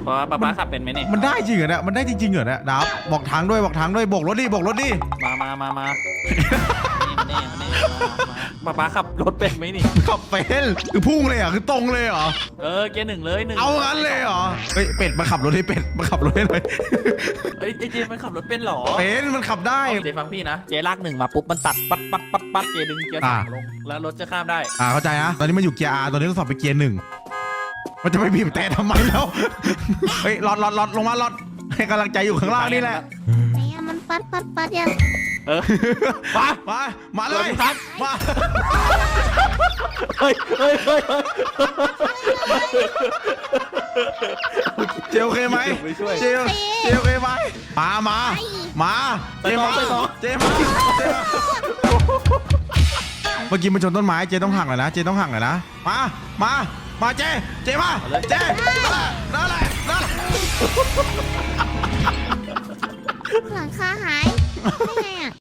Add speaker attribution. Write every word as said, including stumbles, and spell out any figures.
Speaker 1: เพราะว่าป๊าป๊าขับเป็นไหมเนี่ย
Speaker 2: มันได้จริงเหรอเนี่ยมันได้จริงๆเหรอเนี่ยดับบอกทางด้วยบอกทางด้วยบอกรถดิบอกรถดิ
Speaker 1: มามามามานี่มานี่มานี่มาป๊าป๊าขับรถเป็นไหมนี่
Speaker 2: ขับเป็นคือพุ่งเลยเหรอ่ะคือตรงเลยเหรอ
Speaker 1: เออเกียร์หนึ่งเลยหนึ่ง
Speaker 2: เอางั้นเลยเหรอเฮ้ยเป็ดมาขับรถให้เป็ดมาขับรถให้หน่อย
Speaker 1: เฮ้ยเจมันขับรถเป็นหรอ
Speaker 2: เป็นมันขับได้
Speaker 1: เจฟังพี่นะเจลากหนึ่งมาปุ๊บมันตัดปัดปัดปัดปัดเจดึงเกียร์สามลงแล้วรถจะข้ามได้
Speaker 2: อ่าเข้าใจนะตอนนี้มันอยู่เกียร์ R ตอนนี้ต้องสอบไปเกียร์หนึ่งมันจะไปบีบแต่ทำไมแล้วเฮ้ยหลอดหลอดหลอดลงมาหลอดให้กำลังใจอยู่ข้างล่างนี่แหละ
Speaker 3: ไหนอะมันปัดปัดปัดยัง
Speaker 1: เออมา
Speaker 2: มามาเลยมา
Speaker 1: เฮ้ยเฮ้ยเฮ้ย
Speaker 2: เจโอเคไหมเจเจโอเคไหมมามามาเจมาเจมาเจมาเมื่อกี้มันชนต้นไม้เจต้องห่างหน่อยนะเจต้องห่างหน่อยนะมามามาเจเจมาเจนั่นแหละนั่นแหละ
Speaker 3: หลังคาหายได้ไงอะ